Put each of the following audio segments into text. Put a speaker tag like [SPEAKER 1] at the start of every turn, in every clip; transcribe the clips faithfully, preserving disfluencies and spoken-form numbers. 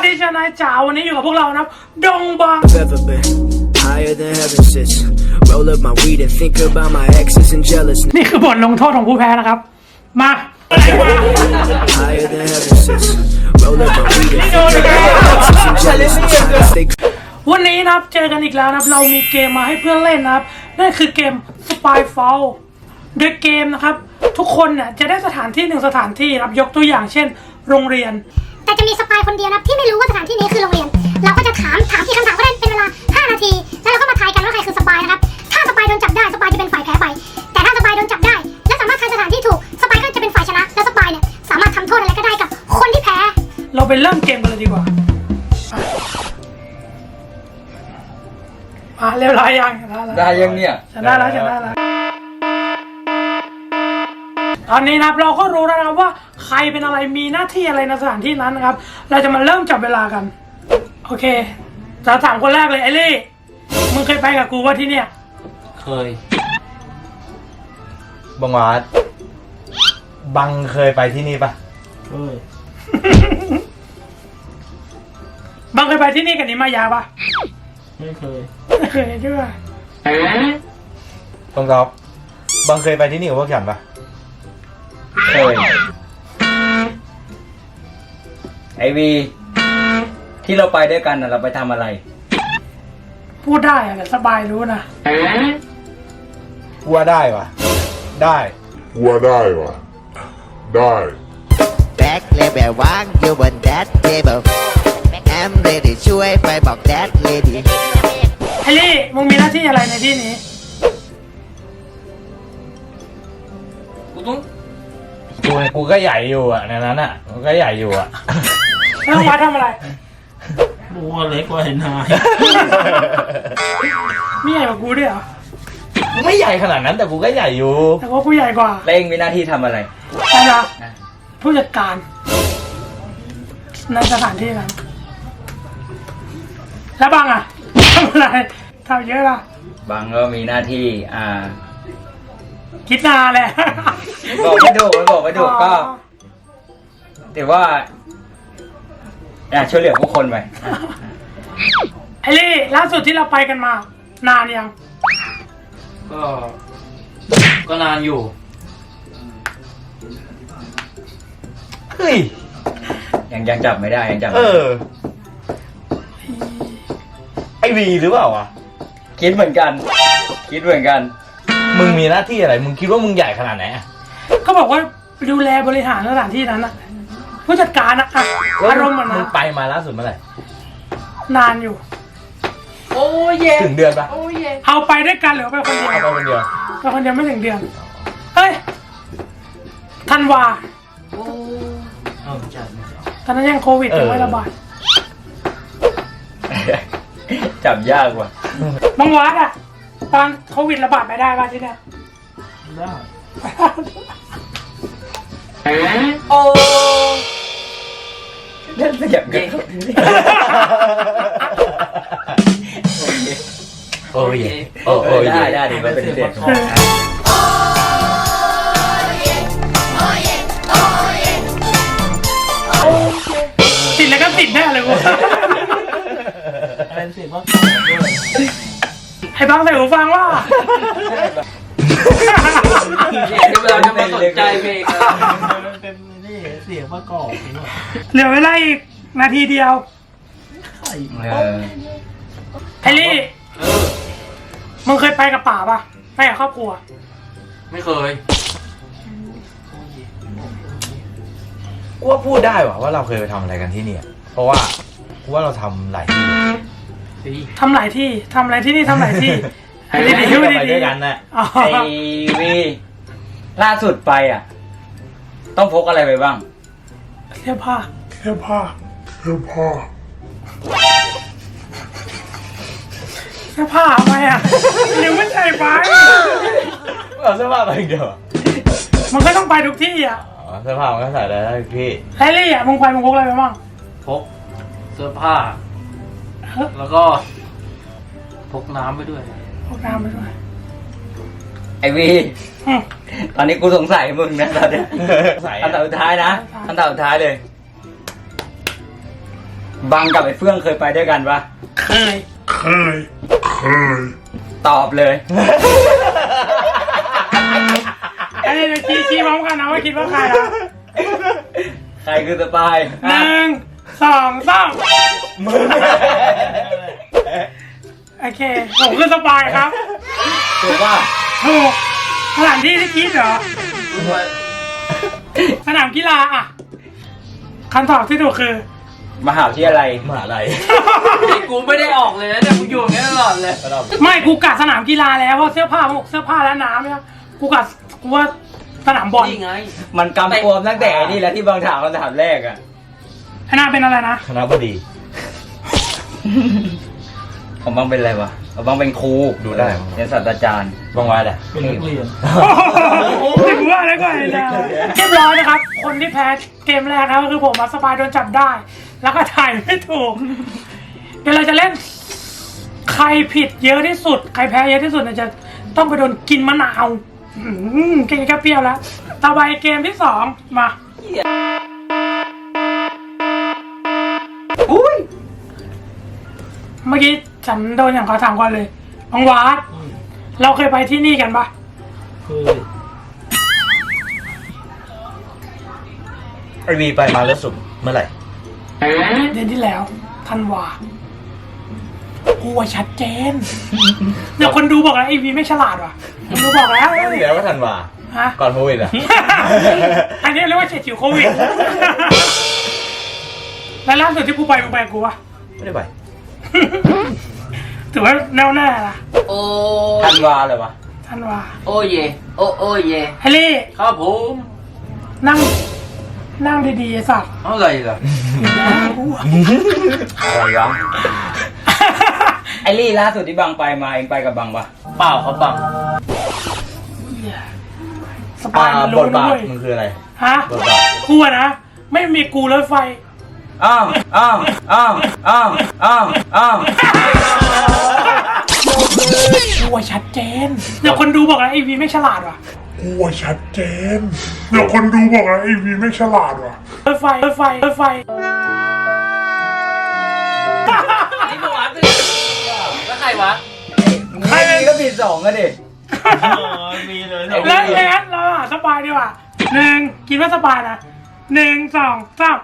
[SPEAKER 1] ดีชนายจ๋าวันนี้อยู่กับพวกเรานะดงบัง
[SPEAKER 2] Higher than heaven sits. Roll up my weed and think about my exes and jealousness.
[SPEAKER 1] นี่คือบทลงโทษของผู้แพ้นะครับมา
[SPEAKER 2] Higher than heaven sits. Roll up my weed and think about my exes and jealousness.
[SPEAKER 1] วันนี้นะครับเจอกันอีกแล้วนะครับเรามีเกมมาให้เพื่อนเล่นนะครับนั่นคือเกม Spyfall โดยเกมนะครับทุกคนเนี่ยจะได้สถานที่หนึ่งสถานที่นะครับยกตัวอย่างเช่นโรงเรียน
[SPEAKER 3] แต่จะมีสปายคนเดียวนะที่ไม่รู้ว่าสถานที่นี้คือโรงเรียนเราก็จะถามถามที่คำถามก็ได้เป็นเวลาห้านาทีแล้วเราก็มาทายกันว่าใครคือสปายนะครับถ้าสปายโดนจับได้สปายจะเป็นฝ่ายแพ้ไปแต่ถ้าสปายโดนจับได้และสามารถทายสถานที่ถูกสปายก็จะเป็นฝ่ายชนะและสปายเนี่ยสามารถทำโทษอะไรก็ได้กับคนที่แพ้
[SPEAKER 1] เราไปเริ่มเกมกันเลยดีกว่าอ่ะเรียบร้อยยัง
[SPEAKER 4] ได้ยังเนี่ย
[SPEAKER 1] ชนะแล้วชนะแล้วตอนนี้นะครับเราก็รู้แล้วนะครับว่าใครเป็นอะไรมีหน้าที่อะไรในสถานที่นั้นนะครับเราจะมาเริ่มจับเวลากันโอเคจะถามคนแรกเลยไอลี่มึงเคยไปกับกูว่าที่เนี่ย
[SPEAKER 5] เคยบังหวาดบังเคยไปที่นี่ปะเคย
[SPEAKER 1] บังเคยไปที่นี่กับนิมายาปะ
[SPEAKER 5] ไม่เคย
[SPEAKER 1] ไม่เคยด้วย
[SPEAKER 5] ตรงตอบบังเคยไปที่นี่กับพวกฉันปะ
[SPEAKER 4] เคยไอวีที่เราไปด้วยกันน่ะเราไปทำอะไร
[SPEAKER 1] พูดได้อะแต่สบายรู้นะ
[SPEAKER 5] ว่าได้ปะได้
[SPEAKER 6] ว่าได้ปะได้
[SPEAKER 7] Back level วางอยู่บน that table I'm ready ช่วยไปบอก that lady
[SPEAKER 1] ไอลี่มึงมีหน้าที่อะไรในที่นี้
[SPEAKER 5] กูต้องกูกูก็ใหญ่อยู่อ่ะในนั้นอ่ะกูก็ใหญ่อยู่อ่ะ
[SPEAKER 1] แล้วมาทำอะไร
[SPEAKER 5] กูก็เล็กกว่าไอ้นาย
[SPEAKER 1] มีใหญ่กว่ากูด้วยเหรอ
[SPEAKER 5] กูไม่ใหญ่ขนาดนั้นแต่กูก็ใหญ่อยู่
[SPEAKER 1] แต่ว่ากูใหญ่กว่า
[SPEAKER 4] เล่งมีหน้าที่ทำอะไร
[SPEAKER 1] ใช่ไหมผู้จัดการในสถานที่นั้นแล้วบังอ่ะทำอะไรทำเยอะล่ะ
[SPEAKER 4] บางก็มีหน้าที่อ่า
[SPEAKER 1] คิดนานแหละ
[SPEAKER 4] บอกไม่ถูกไม่บอกไม่ถูกก็ถือว่าอยากช่วยเหลือผู้คนไป
[SPEAKER 1] ไอ้ลี่ล่าสุดที่เราไปกันมานานยัง
[SPEAKER 5] ก็ก็นานอยู่เฮ้ย
[SPEAKER 4] ยังยังจับไม่ได้ยังจับ
[SPEAKER 5] เออไอวีหรือเปล่าวะ
[SPEAKER 4] คิดเหมือนกันคิดเหมือนกัน
[SPEAKER 5] มึงมีหน้าที่อะไรมึงคิดว่ามึงใหญ่ขนาดไหน
[SPEAKER 1] เขาบอกว่าดูแลบริหารสถานที่นั้นอะผู้จัดการอะอารมณ์มันนะ
[SPEAKER 5] มึงไปมาล่าสุดเมื่อไหร่
[SPEAKER 1] นานอยู่
[SPEAKER 5] โอ้ยถึงเดือนปะ
[SPEAKER 1] เอาไปด้วยกันหรือไปคนเดียว
[SPEAKER 5] เอาไปคนเดียว
[SPEAKER 1] ไปคนเดียวไม่ถึงเดือนเฮ้ยธันวาตอนนั้นยังโควิดยังไม่ระบาด
[SPEAKER 4] จับยากว่ะ
[SPEAKER 1] บางวัดอะตอนโควิดระบาดไปได้ป่ะที่เนี่ย
[SPEAKER 5] ได้โอ้
[SPEAKER 4] เล่นสยับกัน
[SPEAKER 5] โอ้ยโอ้ย
[SPEAKER 4] ได้ได้ดีมันเป็นเด็ก
[SPEAKER 1] ติดแล้วก็ติดแน่เลยวะ
[SPEAKER 5] เป็นเสียงว่า
[SPEAKER 1] ไอ้บางใส่หูฟังว่า
[SPEAKER 5] เราจะมาสนใจเพลงเป็นนี่เสียงประกอบ
[SPEAKER 1] เหลือเวลาอีกนาทีเดียวไอ้ลี่มึงเคยไปกับป่าป่ะไปกับครอบครัว
[SPEAKER 5] ไม่เคยกูว่าพูดได้ว่ะว่าเราเคยไปทำอะไรกันที่นี่เพราะว่ากูว่าเราทำหลายที่
[SPEAKER 1] ทำหลายที่ทำอะไรที่นี่ทำหลายที่
[SPEAKER 5] ไอ้ที่ไปด้วยกันน่ะ
[SPEAKER 4] ไอวีล่าสุดไปอ่ะต้องพกอะไรไปบ้าง
[SPEAKER 1] เสื้อผ้าเสื้อผ้า
[SPEAKER 6] เสื้อผ้า
[SPEAKER 1] เสื้อผ้าทำไมอ่ะยังไม่ใส่ไป
[SPEAKER 5] เอาเสื้อผ้าไปเดียว
[SPEAKER 1] มันก็ต้องไปทุกที่อ่ะ
[SPEAKER 5] เสื้อผ้ามันก็ใส่ได้พี่
[SPEAKER 1] ไอ้ลี่อ่ะมึงไปมึงพกอะไรไปบ้าง
[SPEAKER 5] พกเสื้อผ้าแล้วก็พกน้ำไปด้วย
[SPEAKER 1] พกน้ำไปด้วย
[SPEAKER 4] ไอวีตอนนี้กูสงสัยมึงนะตอนเนี้ยคำตอบสุดท้ายนะคำตอบสุดท้ายเลยบังกับไอ้เฟื่องเคยไปด้วยกันปะ
[SPEAKER 1] เคย
[SPEAKER 6] เคย เคย
[SPEAKER 4] ตอบเลย
[SPEAKER 1] ไอ้เดี๋ยวชี้ชี้พร้อมกันนะว่าคิดว่าใครนะ
[SPEAKER 4] ใครคือสปาย
[SPEAKER 1] หนึ่งสองสามโอเคผมคือสปายครับ
[SPEAKER 4] ถูกว่า
[SPEAKER 1] ถูกสถานที่ที่คิดเหรอสนามกีฬาอ่ะคำตอบที่ถูกคือ
[SPEAKER 4] มหาวิทยาลัย
[SPEAKER 5] มหาลัย
[SPEAKER 8] นี่กูไม่ได้ออกเลยนะแต่กูอยู่อย่างนี้ตลอดเลย
[SPEAKER 1] ไม่กูกัดสนามกีฬาแล้วเพราะเสื้อผ้าพวกเสื้อผ้าและน้ำเนี่ยกูกัดกูว่าสนามบอล
[SPEAKER 8] นี่ไง
[SPEAKER 4] มันกำกวมตั้งแต่ไอ้นี่แล้วที่บางถามคำถามแรกอะ
[SPEAKER 1] ไอ้นาเป็นอะไรนะ
[SPEAKER 5] คณะบดี
[SPEAKER 4] ผมบางเป็นอะไรวะผมบางเป็นครู
[SPEAKER 5] ดูได้
[SPEAKER 4] เป็นศาสตราจารย์
[SPEAKER 5] บางวันแหละ
[SPEAKER 1] เป็นนักเรียนถือว่าอะไรก็ไอ้นาเรียบร้อยนะครับ คนที่แพ้เกมแรกนะก็คือผมมาสปายโดนจับได้ แล้วก็ถ่ายไม่ถูก เดี๋ยวเราจะเล่น ใครผิดเยอะที่สุด ใครแพ้เยอะที่สุดเนี่ยจะต้องไปโดนกินมะนาวอืมกินแค่เปรี้ยวแล้ว ต่อไปเกมที่สองมา
[SPEAKER 4] อุ้ย
[SPEAKER 1] เมื่อกี้ฉันโดนอย่างขอถามก่อนเลยบังวาดเราเคยไปที่นี่กันปะ
[SPEAKER 5] ไอวีไปมาแล้วสุดเมื่อไหร่
[SPEAKER 1] เดือนที่แล้วธันวากูว่าชัดเจนเดี๋ยวคนดูบอกแล้วไอวีไม่ฉลาดว่ะคนดูบอกแล้ว
[SPEAKER 5] เดี๋ยวก็ทันว่า
[SPEAKER 1] ฮะ
[SPEAKER 5] ก่อนโควิดอ่ะ
[SPEAKER 1] อันนี้เรียกว่าเฉียดฉิวโควิด แล้วล่าสุดที่กูไปมึงไปกับกูวะ
[SPEAKER 5] ไม่ได้ไป
[SPEAKER 1] ถือว่าแน่วแน่นะ
[SPEAKER 8] โอ้
[SPEAKER 4] ธันวาเลยวะ
[SPEAKER 1] ธันวา
[SPEAKER 8] โอ้เยโอ้โอ้เย
[SPEAKER 1] ไฮลี่
[SPEAKER 8] ครับผม
[SPEAKER 1] นั่ง นั่งดีๆไอ้สัตว์
[SPEAKER 8] เอาอะไรล่ะ
[SPEAKER 4] อะไรวะ ไอรี่ล่าสุดที่บังไปมาเองไปกับบังปะ
[SPEAKER 8] เปล่าเขาบัง
[SPEAKER 1] สปายมัน
[SPEAKER 5] บ
[SPEAKER 1] รู้
[SPEAKER 5] ท
[SPEAKER 1] นะ
[SPEAKER 5] บาท
[SPEAKER 1] เว้ย
[SPEAKER 5] มันคืออะไร
[SPEAKER 1] ฮะ
[SPEAKER 5] บทบาท
[SPEAKER 1] กูอะนะ ไม่มีกูรถไฟ
[SPEAKER 4] อ้าวอ้าวอ้าวอ้าวอ้าวอ้าว
[SPEAKER 1] กูว่าชัดเจน เดี๋ยวคนดูบอกแล้วไอวีไม่ฉลาดว่ะ
[SPEAKER 6] กูว่าชัดเจน เดี๋ยวคนดูบอกว่าไอวีไม่ฉลาดว่ะ
[SPEAKER 1] รถไฟ รถไฟ รถไฟ
[SPEAKER 8] นี่มึงวัดเลยแล้วใครวะ
[SPEAKER 4] ใครมีก็ผิดสองก็ดิ
[SPEAKER 5] มีเลย
[SPEAKER 1] แล้วแอนเราหาสปายดีกว่าหนึ่งคิดว่าสปายนะหนึ่งสองสาม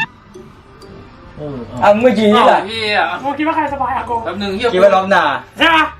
[SPEAKER 4] อ่ะเมื่อกี้นี่แหละ
[SPEAKER 8] เฮีย
[SPEAKER 1] โกคิดว่าใครสปายอะโก
[SPEAKER 8] แป๊บนึงเฮีย
[SPEAKER 4] คิดว่าล้อมนา
[SPEAKER 1] ใช่ปะ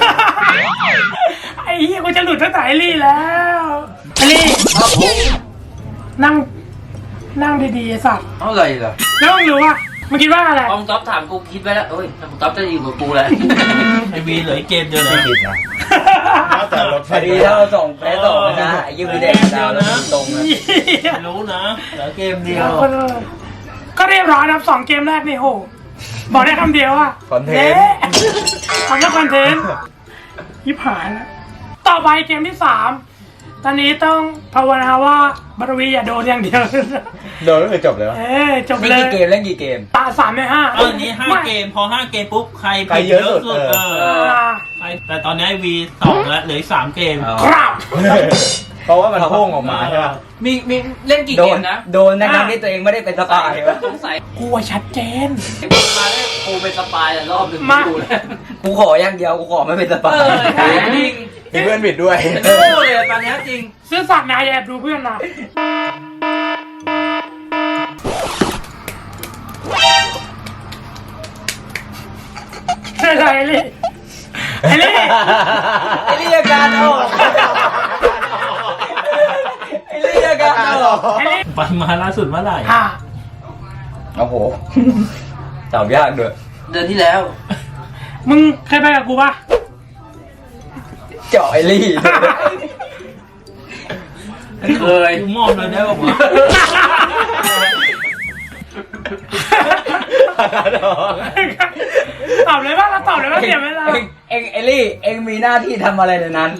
[SPEAKER 1] ไอ้เหี้ยกูจะหลุดตั้งแต่ไอลี่แล้วไอลี่นั่ง นั่งดีๆไอ้สัตว์
[SPEAKER 8] เอาอะไรล่ะ
[SPEAKER 1] แล้วมึงรู้ว่ามึงคิดว่าอะไร
[SPEAKER 8] พอมงต๊อบถามกูคิดไว้แล้วเอ้ยพอมงต๊อบจะอยู่กับกูแล้ว
[SPEAKER 5] ไอวีเหลือเกมเดียวเลยผิดนะแต่รถไฟ
[SPEAKER 4] พอดีถ้าเราส่งแพ้ส่งนะไอ้ยี่วีเด็กดาวแล้วตรงนะ
[SPEAKER 5] รู้นะเหลือเกมเดียว
[SPEAKER 1] ก็เรียบร้อยนะครับสองเกมแรกนี่โห บอกได้คำเดียวว่า
[SPEAKER 5] คอนเทนต์
[SPEAKER 1] ทำแล้วคอนเทนต์ยิบหายแล้วต่อไปเกมที่สามตอนนี้ต้องภาวนาว่าบารวีอย่าโดนอย่างเดียว
[SPEAKER 5] โดนก็คือจบเลยวะ
[SPEAKER 1] เอ้ยจบ
[SPEAKER 4] เล่น
[SPEAKER 1] เลย
[SPEAKER 4] กี่เกมเล่นกี่เกม
[SPEAKER 1] ตาสามในห้า
[SPEAKER 9] ตอนนี้ห้าเกมพอห้าเกมปุ๊บใคร
[SPEAKER 5] ใคร
[SPEAKER 9] ผิด
[SPEAKER 5] เยอะสุด
[SPEAKER 9] เอ
[SPEAKER 5] เออ
[SPEAKER 9] อ
[SPEAKER 1] อ่า
[SPEAKER 9] ใครแต่ตอนนี้วีสองแล้วเหลืออีกสามเกม
[SPEAKER 4] อ๋อ
[SPEAKER 1] ครับ
[SPEAKER 5] เพราะว่ามันพุ่งออกมาใช่ป่ะ
[SPEAKER 8] มีมีเล่นกี่
[SPEAKER 4] โด
[SPEAKER 8] เก
[SPEAKER 4] น
[SPEAKER 8] มนะ
[SPEAKER 4] โดนทั้งๆที่ตัวเองไม่ได้เป็นสปาย
[SPEAKER 8] สงสัย
[SPEAKER 1] กูว่าชัดเจน
[SPEAKER 8] มึงมาได้กูเป็นสปายแต่รอบหนึ่ง
[SPEAKER 1] มา
[SPEAKER 8] กูแล้ว
[SPEAKER 4] กูขออย่างเดียวกูขอไม่เป็นสปา
[SPEAKER 8] เอย อใช่จริง
[SPEAKER 5] มีเพื่อนผิดด้วย
[SPEAKER 8] เป็นโง่เลยตอนนี้จริง
[SPEAKER 1] ซื้อสัตว์นายแอบดูเพื่อนนะอะไรไอ้ลี่ไอ้ลี่
[SPEAKER 4] ไอ้เรียกการออกไอ้เรียกการออก
[SPEAKER 1] ไอ้ลี่
[SPEAKER 9] ไปมาล่าสุดเมื่อไหร่
[SPEAKER 1] อ่า
[SPEAKER 4] โอ้โหตอบยากด้วย
[SPEAKER 8] เดือนที่แล้ว
[SPEAKER 1] มึงเคยไปกับกูปะ
[SPEAKER 4] เจาะไอ้ลี่
[SPEAKER 8] เคย
[SPEAKER 9] กูมอบเลยได้ป่าวะ
[SPEAKER 1] ตอบเลยว่าเราตอบเลยว่าเสียเวลา
[SPEAKER 4] เองเองไอ้ลี่เองมีหน้าที่ทำอะไรในนั้น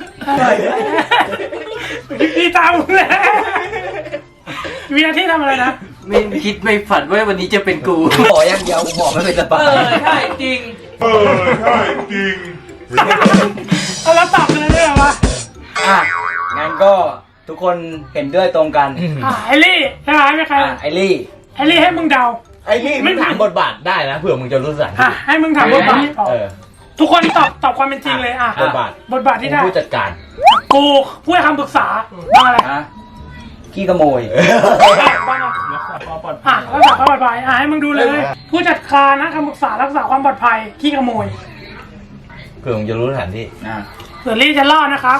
[SPEAKER 1] ดีตามมึงเลยมีหน้าที่ทำอะไรนะ
[SPEAKER 8] ไม่คิดไม่ฝันว่าวันนี้จะเป็นกู
[SPEAKER 4] กูขออย่างเดียวกูขอไม่เป็นสปา
[SPEAKER 8] เอย อใช่จริง
[SPEAKER 6] เออ ใช่จริง
[SPEAKER 1] เอาแล้วตอบกันเลยได้เหรอวะ
[SPEAKER 4] อ่ะงั้นก็ทุกคนเห็นด้วยตรงกัน
[SPEAKER 1] อ่าไอลี่ใช่ไหมไม่ใคร
[SPEAKER 4] อ่ะไอ้ลี่
[SPEAKER 1] ไอลี่ให้มึงเดา
[SPEAKER 5] ไอ้นี่ไม่ถามบทบาทได้นะเผื่อมึงจะรู้สถาน
[SPEAKER 1] อ่ะ
[SPEAKER 5] ที่
[SPEAKER 1] ให้มึงถามบทบาทตอบ
[SPEAKER 5] เออ
[SPEAKER 1] ทุกคนตอบตอบความเป็นจริงเลยอ่ะ
[SPEAKER 5] บทบาท
[SPEAKER 1] บทบาทที่ได้
[SPEAKER 5] ผู้จัดการ
[SPEAKER 1] กูผู้ให้คำปรึกษาบ้างอะไร
[SPEAKER 4] ฮะขี้ขโมย
[SPEAKER 1] บ้างอะ
[SPEAKER 9] รักษาความปลอดภั
[SPEAKER 1] อ่ะ
[SPEAKER 9] ย
[SPEAKER 1] รักษาความปลอดภัยอ่ะให้มึงดูเลย ผู้จัดการนะคำปรึกษารักษาความปลอดภัยขี้ขโมย
[SPEAKER 5] เผื่อมึงจะรู้สถานที่
[SPEAKER 4] อ่ะ
[SPEAKER 1] เสือรี่จะรอดนะครับ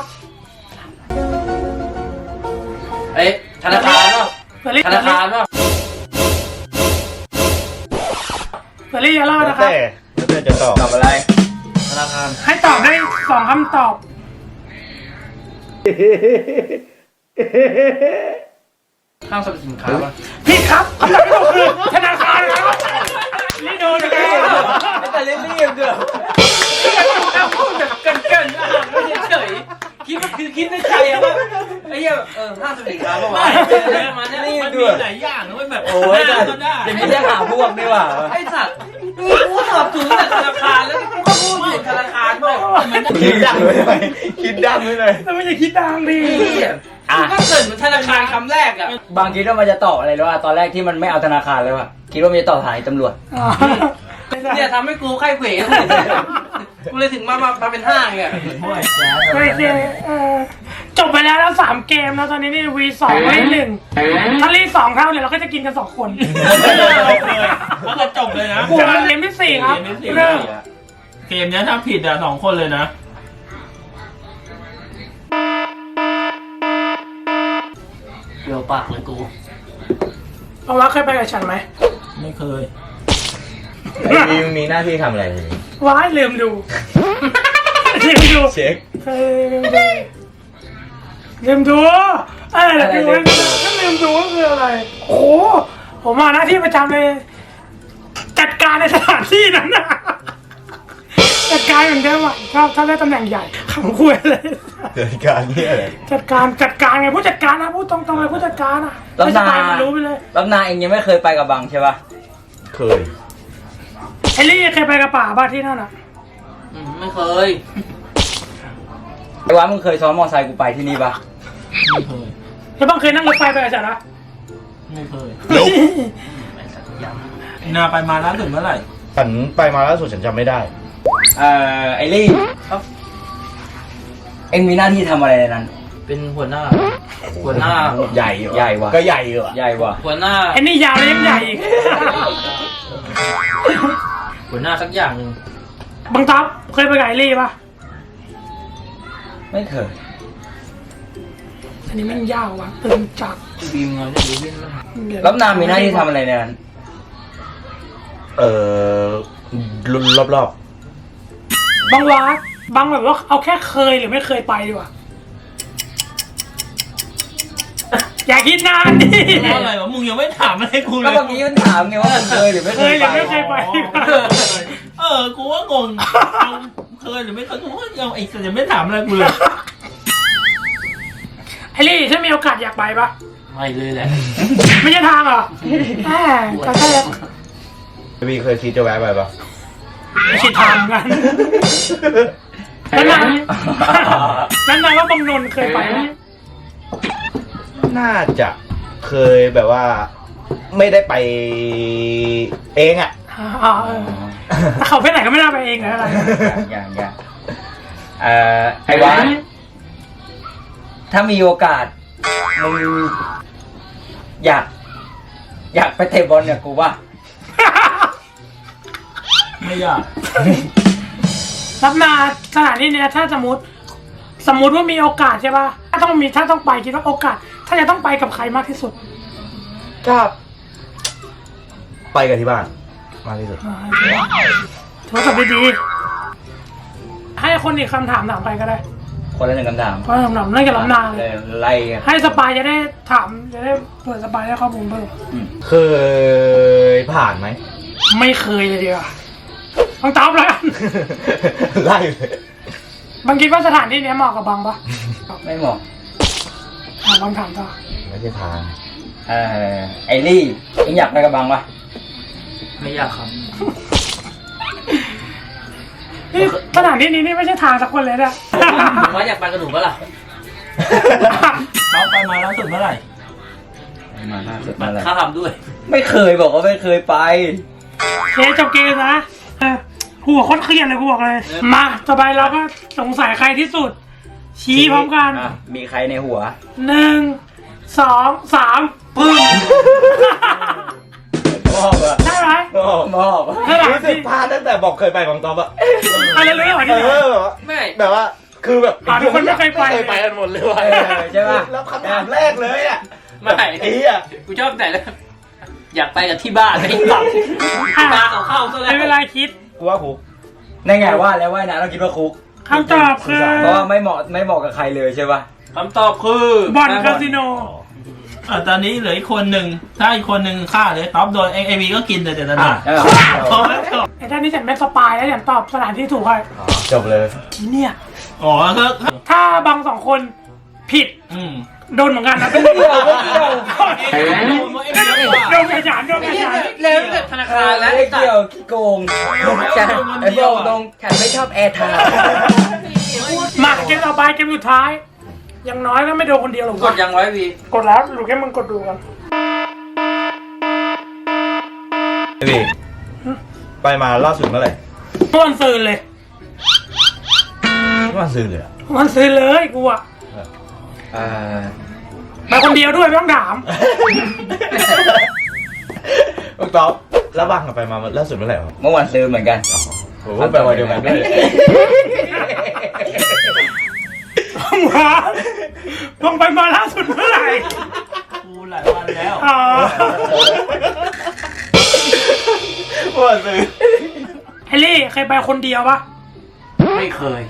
[SPEAKER 8] เอ้ยธนาคารเปล่า
[SPEAKER 1] เสือรี่
[SPEAKER 8] ธนาคารเปล่า
[SPEAKER 1] เสือรี่จะรอดนะครับ
[SPEAKER 5] แล้วแต่จะตอบ
[SPEAKER 4] ตอบอะไร
[SPEAKER 8] ธนาคาร
[SPEAKER 1] ให้ตอบได้สองคำตอบ
[SPEAKER 8] ห้างสรรพสินค้าป่ะ
[SPEAKER 1] ผิดครับคำตอบที่ถูกคือธนาคารครับนี่โดนนะครับ
[SPEAKER 4] แต่เล่นเรียบเกือบ
[SPEAKER 8] พูดแบบเกินเกินๆอ่ะไม่เฉยๆคิดว่าคือคิดในใจอะว่าไอ้เหี้ยเออห้างสรรพสินค้าป่ะวะเออมาเนี่ย
[SPEAKER 9] มันมีหลายอย่างนะเว้ยแบบ
[SPEAKER 4] โอ้ย
[SPEAKER 9] หน้า
[SPEAKER 4] แต่
[SPEAKER 9] ก็ได้
[SPEAKER 4] อย่างนี้จะหาพวกดีกว่า
[SPEAKER 8] ไอ้สัตว์กูตอบถูกแต่ธนาคารแล้วกูก็พูดถูกธนาคารเปล่า
[SPEAKER 5] คิดดังไว้เลยคิดดังไว้เลย
[SPEAKER 1] แต่ไม่อย่าคิดดังดิ
[SPEAKER 8] กูก็เกิดเหมือนธนาคารคำแรกอะ
[SPEAKER 4] บางคิดว่ามันจะตอบอะไรแล้วว่าตอนแรกที่มันไม่เอาธนาคารเลยว่ะคิดว่ามันจะตอบสถานีตำรวจ
[SPEAKER 1] อ๋อ
[SPEAKER 8] เนี่ยทำให้กูไข้เขวกูเลยถึงมามามาเป็นห้างเนี่ย
[SPEAKER 9] ห้วยแจ๊ส
[SPEAKER 1] ไม่ใช่เออจบไปแล้วแล้วสามเกมแล้วตอนนี้นี่วีสองวีหนึ่งถ้ารีสองเท่าเนี่ยเราก็จะกินกันสองคน
[SPEAKER 9] แล้วก็จบเลยนะ
[SPEAKER 1] กลัวเกมที่สี่ครับ
[SPEAKER 9] เกมที่สี่
[SPEAKER 1] เริ่ม
[SPEAKER 9] เกมเนี้ยถ้าผิดอ่ะสองคนเลยนะ
[SPEAKER 8] เดี๋ยวปากเลยกู
[SPEAKER 1] เอาว่าเคยไปกับฉันไหม
[SPEAKER 9] ไม่เคย
[SPEAKER 5] ไอ้นี่มึงมีหน้าที่ทำอะไรทีนี้
[SPEAKER 1] ว้ายลืมดูลืมดู
[SPEAKER 5] เช็ค
[SPEAKER 1] เฮ้ยลืมดูลืมดูเออแต่ดูไม่ดูถ้าลืมดูก็คืออะไรโอ้โหผมมาหน้าที่ประจำเลย จัดการในสถานที่นั้นนะจัดการเหมือนเดิมอ่ะชอบถ้าได้ตำแหน่งใหญ่ขำคุยเลย
[SPEAKER 5] เกิดการนี่อะไร
[SPEAKER 1] จัดการจัดการไงผู้จัดการนะพูดตรงๆเลยผู้จัดการอ่ะ
[SPEAKER 4] แล้ว
[SPEAKER 1] ไม่ส
[SPEAKER 4] นา
[SPEAKER 1] บายมันรู้ไปเลย
[SPEAKER 4] แล้วนาเองยังไม่เคยไปกับบังใช่ป่ะ
[SPEAKER 5] เคย
[SPEAKER 1] ไอ้ลี่เคยไปกับป่าบ้านที่นั่นอ่ะ
[SPEAKER 8] อืมไม่เคย
[SPEAKER 4] ไอ้วะมึงเคยซ้อนมอไซค์กูไปที่นี่ป่ะ
[SPEAKER 9] ไม่เคย
[SPEAKER 1] แล้วบางเคยนั่งรถไฟไปกับฉันนะ
[SPEAKER 9] ไม่เคยนาไปมาล่าสุดเมื่อไหร่
[SPEAKER 5] ฉันไปมาล่าสุดฉันจำไม่ได้
[SPEAKER 4] เอ่อไอ้ลี่ครับเองมีหน้าที่ทำอะไรในนั้น
[SPEAKER 8] เป็นหัวหน้า หัวหน้า
[SPEAKER 5] ใหญ่เหรอ
[SPEAKER 4] ใหญ่ว่ะ
[SPEAKER 5] ก็ใหญ่เหรอ
[SPEAKER 4] ใหญ่ว่ะ
[SPEAKER 8] หัวหน้า
[SPEAKER 1] ไอ้นี่ยาวเลยยังใหญ่อีก
[SPEAKER 8] หัวหน้าสักอย่างหนึ่ง
[SPEAKER 1] บังทับเคยไปกับไอ้ลี่ปะ
[SPEAKER 4] ไม่เคย
[SPEAKER 1] อันนี้แม่งยาวว่ะตึงจัด
[SPEAKER 8] บีมเงาเนี่ยดูวิ่งมาก
[SPEAKER 4] แล้วนามีหน้าที่ทำอะไรในนั้น
[SPEAKER 5] เออรอบรอบบ
[SPEAKER 1] างวะบางแบบว่าเอาแค่เคยหรือไม่เคยไปดีกว่าอย่าคิดนานดิ
[SPEAKER 9] เพราะอะไรวะมึงยังไม่ถามอะไรกูเล
[SPEAKER 4] ก็
[SPEAKER 9] ย
[SPEAKER 4] เมื่อกี้มันถามไงว่ามันเคยหรือไม่
[SPEAKER 1] เค
[SPEAKER 4] เค
[SPEAKER 1] ย
[SPEAKER 4] ย
[SPEAKER 1] หรือ
[SPEAKER 4] ไป
[SPEAKER 1] ไม่เคยไป
[SPEAKER 9] เออ กูว่างงเอาเคยหรือไม่เคยกูว่ายังไอ้สัตว์ยังไม่ถามอะไรกูเลย
[SPEAKER 1] ไอ้ลี่ถ้ามีโอกาสอยากไปปะ
[SPEAKER 8] ไม่เลยแหละ
[SPEAKER 1] ไม่ใช่ทางเหรอแหมก็ใช่แล้ว
[SPEAKER 5] พี่เคยคิดจะแวะไปปะ
[SPEAKER 1] ไม่ใช่ทางกันแล้วนานแล้วนานว่าบางนนท์เคยไปไหม
[SPEAKER 5] น่าจะเคยแบบว่า ไม่ได้ไปเองอ่ะ
[SPEAKER 1] อ่าเออถ้าเขาไปไหนก็ไม่น่าไปเองนะอะไร
[SPEAKER 4] อย่างอย่างเอ่อไอ้วะถ้ามีโอกาสมึงอยาก อยากไปเตะบอลเนี่ยกูว่า
[SPEAKER 9] ไม่อยาก
[SPEAKER 1] รับนาสถานที่เนี้ยถ้าสมมติสมมติว่ามีโอกาสใช่ป่ะถ้าต้องมีถ้าต้องไปคิดว่าโอกาส ถ้าจะต้องไปกับใครมากที่สุด
[SPEAKER 5] ก็ไปกับที่บ้านมากที่สุด
[SPEAKER 1] ถือว่าตอบได้ดีให้คนอีกคำถามถามไปก็ได้
[SPEAKER 4] คนละหนึ่งคำถาม
[SPEAKER 1] เพราะคำถามเรื่องกับรับนาเลย
[SPEAKER 4] ไล่กัน
[SPEAKER 1] ให้สปายจะได้ถามจะได้เปิดสปายได้ข้อมูลเพิ่ม
[SPEAKER 5] เคยผ่านไหม
[SPEAKER 1] ไม่เคยเลยดีกว่าต้องตอบแล้วกัน
[SPEAKER 5] ไล่เลย
[SPEAKER 1] บางคิดว่าสถานที่เนี้ยเหมาะกับบางปะ
[SPEAKER 4] ไม่เหมาะ
[SPEAKER 1] ถามบางถามต่อ
[SPEAKER 5] ไม่ใช่ทาง
[SPEAKER 4] เอ่อไอ้ลี่เอ็งอยากไปกับบังปะ
[SPEAKER 8] ไม่อยากครับ
[SPEAKER 1] นี่สถานที่นี้นี่ไม่ใช่ทางสักคนเลยนะ
[SPEAKER 8] ผมว่าอยากไปกับหนูปะล่ะ
[SPEAKER 9] เขาไปมาล่าสุดเมื่อไหร่
[SPEAKER 4] มาล่าสุดมาเลย
[SPEAKER 8] ค่าทำด้วย
[SPEAKER 4] ไม่เคยบอกว่าไม่เคยไป
[SPEAKER 1] เคจบเกมนะเออหัวโคตรเครียดเลยกูบอกเลย มาต่อไปเราก็สงสัยใครที่สุด ชี้พร้อมกัน
[SPEAKER 4] อ่ะมีใครในหัว
[SPEAKER 1] หนึ่งสองสามปึ้ง
[SPEAKER 4] มอบอะ
[SPEAKER 1] ได้ไหม
[SPEAKER 4] มอบ
[SPEAKER 1] สถาน
[SPEAKER 5] รู้สึก
[SPEAKER 1] ที่
[SPEAKER 5] พลาดตั้งแต่บอกเคยไปบางตอบอะ
[SPEAKER 1] อะไรเลยเหรอ
[SPEAKER 5] เอ
[SPEAKER 1] ที่ไหน
[SPEAKER 5] อแบบว่า
[SPEAKER 8] ไม่
[SPEAKER 5] แบบว่าคือแบบ
[SPEAKER 1] อ่าทุกคนไม่เคยไป
[SPEAKER 5] เคยไปกันหมดเลยว่ะ
[SPEAKER 4] เออใช่ป่ะ
[SPEAKER 5] แล้วคำถามแรกเลยอ่ะ
[SPEAKER 8] ไม่
[SPEAKER 5] ไอ้เหี้ย
[SPEAKER 8] กูชอบแต่แล้วอยากไปกับที่บ้านไม่ได้กลับตาเขาเข้าซะแล้
[SPEAKER 1] ไม่เป็น
[SPEAKER 8] ว
[SPEAKER 1] ไรคิด
[SPEAKER 5] กูว่าคุก
[SPEAKER 4] ในไงว่าแล้วว่านะเราคิดว่าคุก
[SPEAKER 1] คำตอบคือ
[SPEAKER 4] เพราะว่าไม่เหมาะไม่เหมาะกับใครเลยใช่ป่ะ
[SPEAKER 8] คำตอบคือ
[SPEAKER 1] บ่อนคาสิโน
[SPEAKER 9] อ่ะตอนนี้เหลืออีกคนหนึ่งถ้าอีกคนหนึ่งฆ่าเลยท็อปโดนเอวีก็กินแต่แต่ตอนนี้
[SPEAKER 4] เออ
[SPEAKER 9] พอแล้วจบ
[SPEAKER 1] ไอ้ท่านนี้ฉันเป็นสปายแล้วฉันตอบสถานที่ถูกเลย
[SPEAKER 5] อ๋อจบเลย
[SPEAKER 1] ที่เนี่ย
[SPEAKER 9] อ๋อก็
[SPEAKER 1] ถ้าบางสองคนผิด
[SPEAKER 9] อืม
[SPEAKER 1] โดนเหมือนกันนะเป็นโดนโดนกระจานโดนกระจาน
[SPEAKER 8] เร็วแต่ธนาคารแล้ว
[SPEAKER 4] ไม่เกี่ยวขี้โกงฉันไอ้บอกตรงฉันไม่ชอบแอร์ไทม์
[SPEAKER 1] มาเกมต่อไปเกมสุดท้ายอยังน้อยก็ไม่โดนคนเดียวหรอก
[SPEAKER 8] กดยังไว้วี
[SPEAKER 1] กดแล้วหรือแค่มึงกดดูกัน
[SPEAKER 5] ไอ้พี่ไปมาล่าสุดเมื่อไหร่
[SPEAKER 1] เมื่อวันซืนเลย
[SPEAKER 5] เมื่อวันซื้อเลยอะ
[SPEAKER 1] วันซืนเลยกูอะ
[SPEAKER 4] เออ
[SPEAKER 1] ไปคนเดียวด้วยไม่ต้องถาม
[SPEAKER 5] บางตอบแล้วบางกับไปมาล่าสุดเมื่อไหร่วะ
[SPEAKER 4] เมื่อวันซื้อเหมือนกัน
[SPEAKER 5] ผมว่าไปวันเดียวกันด้วย
[SPEAKER 1] มาลงไปมาล่าสุดเมื่อไหร่
[SPEAKER 9] กูหลายวันแล้ว
[SPEAKER 1] อ๋อ
[SPEAKER 5] เมื่อวันซื้อ
[SPEAKER 1] ไอลี่เคยไปคนเดียวปะ
[SPEAKER 8] ไม่เคย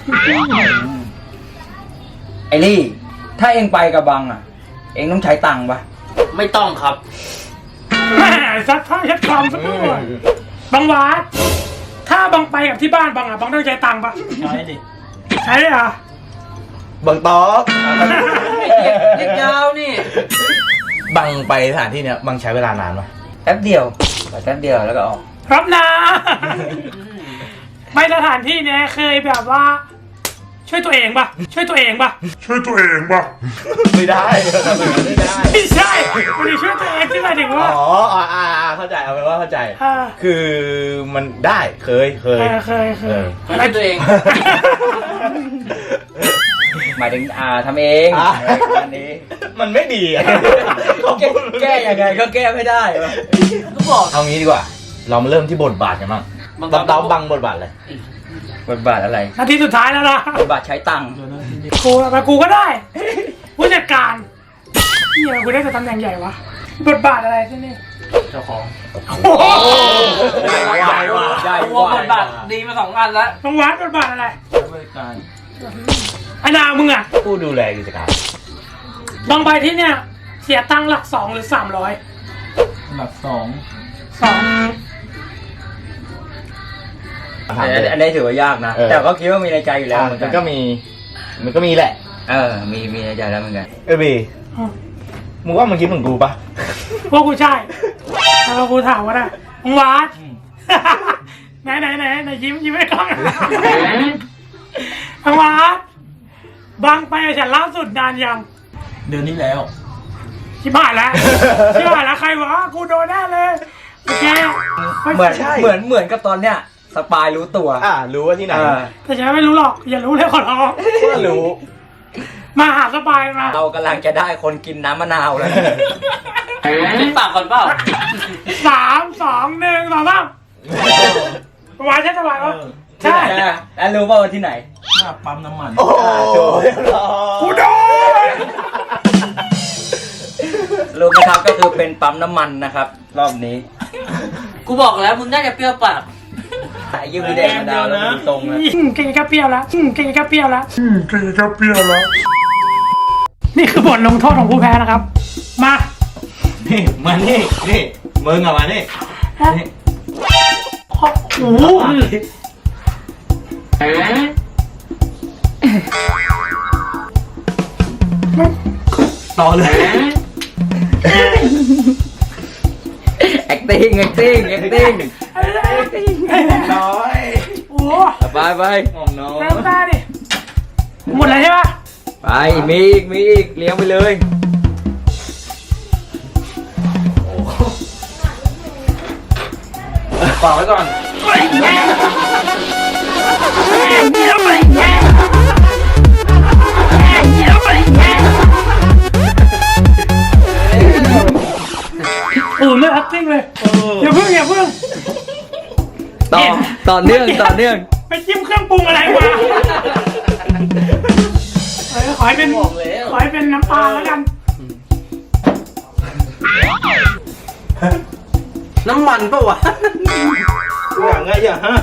[SPEAKER 4] ไอ้ลี่ ถ้าเองไปกับบังอ่ะ เองต้องใช้ตังค์ปะ
[SPEAKER 8] ไม่ต้องครับ
[SPEAKER 1] แหมซัดท่าชัดคำสักหน่อยบางวาดถ้าบังไปกับที่บ้านบังอ่ะบังต้องใช้ตังค์ปะ
[SPEAKER 9] ใช้ดิ
[SPEAKER 1] ใช่เหรอบ
[SPEAKER 5] างตอบ
[SPEAKER 8] เด็กยาวนี่
[SPEAKER 5] บางไปสถานที่เนี้ยบางใช้เวลานานปะ
[SPEAKER 4] แป๊บเดียวไปแป๊บเดียวแล้วก็ออก
[SPEAKER 1] ครับนะไปสถานที่เนี้ยเคยแบบว่า ช่วยตัวเองปะช่วยตัวเองปะ
[SPEAKER 6] ช่วยตัวเองป่ะ
[SPEAKER 5] ไม่ได้ทำแบบนั้นไม่ได้
[SPEAKER 1] ไม่ใช่ไม่ได้ช่วยตัวเองที่หมายถึง
[SPEAKER 5] อ๋
[SPEAKER 1] ว่า
[SPEAKER 5] ออ่าอ่าอ่าเข้าใจเอาเป็นว่าเข้าใจ
[SPEAKER 1] อ่า
[SPEAKER 5] คือมันได้เคยเค
[SPEAKER 1] เอย อเคยเค
[SPEAKER 5] เอย อ
[SPEAKER 8] ไม่ตัวเอง
[SPEAKER 4] หมายถึงอ่าทำเอง
[SPEAKER 5] อ่า
[SPEAKER 4] อันนี้
[SPEAKER 5] มันไม่ดีอะ
[SPEAKER 4] แก้แก้ยังไงก็แก้ไม่ได้วะ
[SPEAKER 8] ก็บอก
[SPEAKER 5] เอางี้ดีกว่า เรามาเริ่มที่บทบาทกันบ้าง
[SPEAKER 8] บาง
[SPEAKER 5] ตอบตอบบังบทบาทเลย
[SPEAKER 4] บทบาทอะไร
[SPEAKER 1] นาทีสุดท้ายแล้วนะ
[SPEAKER 4] บทบาทใช้ตังค์
[SPEAKER 1] กูไปกูก็ได้ ผู้จัดการเฮียกูได้แต่ตำแหน่งใหญ่วะบทบาทอะไรที่นี่
[SPEAKER 8] เจ้าของ
[SPEAKER 1] โอ้โห
[SPEAKER 4] ใหญ่กว่าใหญ่
[SPEAKER 8] ตั
[SPEAKER 4] ก
[SPEAKER 8] ว
[SPEAKER 4] ว่า
[SPEAKER 8] บทบาทดีมาสองอันแล้ว
[SPEAKER 1] ต้องวัดบทบาทอะไร
[SPEAKER 9] ใช้บริการ
[SPEAKER 1] ไอ้นามึงอ่ะ
[SPEAKER 5] ผู้ดูแลกิจการ
[SPEAKER 1] บางใบที่เนี่ย เสียตังค์หลักสองหรือสามร้อย
[SPEAKER 9] อันดับสอง
[SPEAKER 1] สอง
[SPEAKER 5] ถาม
[SPEAKER 4] อัน
[SPEAKER 5] เลย
[SPEAKER 4] อันนี้ถือว่ายากนะ
[SPEAKER 5] เออ
[SPEAKER 4] แต่ก็คิดว่ามีในใจอยู่แล้ว
[SPEAKER 5] อ่ะ
[SPEAKER 4] เหมือน
[SPEAKER 5] มั
[SPEAKER 4] กัน น
[SPEAKER 5] ก็มี มันก็มีแหละ
[SPEAKER 4] เออ มีมีในใจแล้วเหมือนกัน
[SPEAKER 5] เออบีมึงว่ามึงคิดเหมือนกูปะ
[SPEAKER 1] พวกกูใช่แล้วกูถามว่าได้มึงวัด ไหนไหนไหนไหนยิ้มยิ้มไม่กล้องมึงวัดบางไปกับฉันล่าสุดนานยัง
[SPEAKER 9] เดือนนี้แล้ว
[SPEAKER 1] ชิบหายแล้วชิบหายแล้วใครวะกูโดนแน่เลยโอเค
[SPEAKER 4] เหมือนเหมือนเหมือนกับตอนเนี้ยสปายรู้ตัว
[SPEAKER 5] อ่ารู้ว่าที่ไหน
[SPEAKER 4] เออ
[SPEAKER 1] แต่ฉันไม่รู้หรอกอย่ารู้เลยขอร้อง
[SPEAKER 5] ก็รู้
[SPEAKER 1] มาหาสบายมา
[SPEAKER 4] เรากำลังจะได้คนกินน้ำมะนาวแล้ว
[SPEAKER 8] จิ้มปากก่อนเปล่า
[SPEAKER 1] สามสองหนึ่งสองสามสบายใช่สบายปะใช่
[SPEAKER 4] แล้วรู้ป่าวว่าที่ไหน
[SPEAKER 9] หน้าปั๊มน้ำมัน
[SPEAKER 5] โอ้โหเรียบร้อย
[SPEAKER 1] กูโดน
[SPEAKER 4] รู้ไหมครับก็คือเป็นปั๊มน้ำมันนะครับ รอบนี้
[SPEAKER 8] กูบอกแล้วมึงน่าจะเปรี้ยวปาก
[SPEAKER 4] ไอ้ยืมมีแดงมะนาวแล้วมันตรงเลย
[SPEAKER 1] อืมเก่งกับเปรี้ยวแล้วอืมเก่งกับเปรี้ยวแล้ว
[SPEAKER 6] อืมเกย์ก็เปรี้ยวแล้ว
[SPEAKER 1] นี่คือบทลงโทษของผู้แพ้นะครับ มา
[SPEAKER 5] นี่มานี่นี่มึงอะมานี่นี่
[SPEAKER 1] โอ้โห
[SPEAKER 5] ต่อเลย
[SPEAKER 4] acting acting acting
[SPEAKER 5] น้อย
[SPEAKER 1] โอ้โห
[SPEAKER 4] ไปไป
[SPEAKER 5] มองน้อย
[SPEAKER 1] เริ่มตาดิหมดแล้วใช่ปะ
[SPEAKER 4] ไปมีอีกมีอีกเลี้ยงไปเลย
[SPEAKER 5] โ
[SPEAKER 8] ฝากไว้ก่อน
[SPEAKER 1] อู๋ไม่ acting เลยอย่าเพิ่งอย่าเพิ่ง
[SPEAKER 4] ต่อต่อเนื่องต่อเนื่อง
[SPEAKER 1] ไปจิ้มเครื่องปรุงอะไรมาเออขอให้เป็นขอให้เป็นน้ำปลาแล้วกัน
[SPEAKER 8] น้ำมันปะวะ
[SPEAKER 9] อย่างไงอย่าห้าว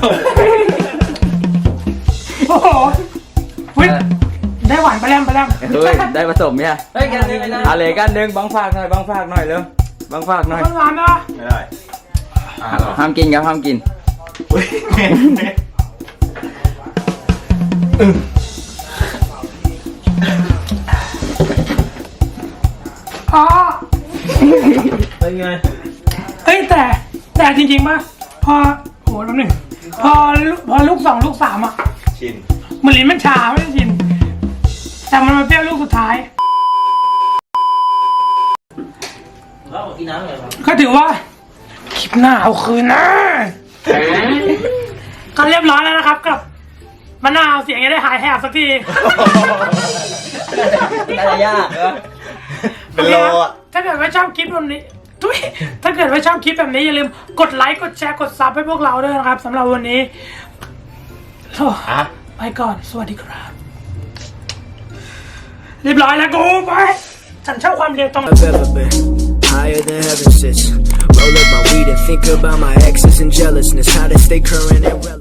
[SPEAKER 1] โอ้โหเฮ้ยได้หวานไปแล้วไปแล้ว
[SPEAKER 4] เฮ้ยได้ผสมเนี่ย
[SPEAKER 8] เฮ้ยกันเลยนะ
[SPEAKER 4] อะไรกันหนึ่งบังฝากหน่อยบังฝากหน่อยเร็วบังฝากหน่อย
[SPEAKER 1] ต้นหวานนะ
[SPEAKER 9] ไม่ได้อ่าหรอ
[SPEAKER 4] ห้ามกินครับห้ามกิน
[SPEAKER 9] อุ้ยแม่แม่
[SPEAKER 1] อ๋อ
[SPEAKER 9] เป็นไง
[SPEAKER 1] เฮ้ยแต่แต่จริงๆป่ะพอโอ้โหแล้วหนึ่งพอลูกพอลูกสองลูกสามอ่ะ
[SPEAKER 9] ชิน
[SPEAKER 1] มันลิ้นมันชาไม่ได้ชินแต่มันมาเปรี้ยวลูกสุดท้าย
[SPEAKER 8] แล้วกินน้ำเลยครับ
[SPEAKER 1] ก็ถือว่าคลิปหน้าเอาคืนนะก็เรียบร้อยแล้วนะครับกับมะนาวเสียงจะได้หายแหบสักที
[SPEAKER 4] น่าจะยากเหรอ
[SPEAKER 9] เป็นโลอ่ะ
[SPEAKER 1] ถ้าเกิดว่าชอบคลิปแบบนี้ทุยถ้าเกิดว่าชอบคลิปแบบนี้อย่าลืมกดไลค์กดแชร์กดซับให้พวกเราด้วยนะครับสำหรับวันนี้โอ้
[SPEAKER 9] อ่ะ
[SPEAKER 1] ไปก่อนสวัสดีครับ เรียบร้อยแล้วกูไปฉันชอบความเร็วตรง
[SPEAKER 2] I've ever been higher than heaven sits. Roll up my weed and think about my exes and jealousness. How to stay current and relevant.